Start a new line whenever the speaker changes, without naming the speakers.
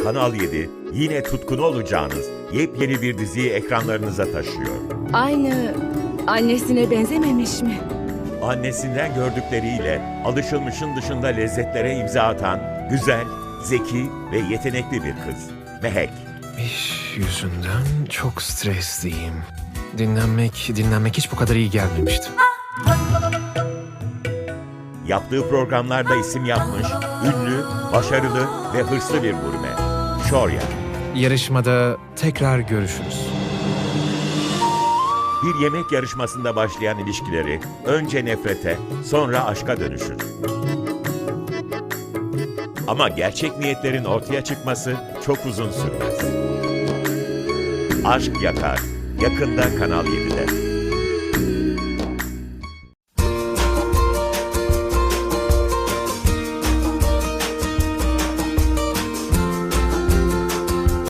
Kanal 7 yine tutkunu olacağınız yepyeni bir diziyi ekranlarınıza taşıyor.
Aynı annesine benzememiş mi?
Annesinden gördükleriyle alışılmışın dışında lezzetlere imza atan güzel, zeki ve yetenekli bir kız. Mehek.
İş yüzünden çok stresliyim. Dinlenmek hiç bu kadar iyi gelmemişti.
Yaptığı programlarda isim yapmış, ünlü, başarılı ve hırslı bir gurme. Şorya.
Yarışmada tekrar görüşürüz.
Bir yemek yarışmasında başlayan ilişkileri önce nefrete, sonra aşka dönüşür. Ama gerçek niyetlerin ortaya çıkması çok uzun sürmez. Aşk Yakar, yakında Kanal 7'de.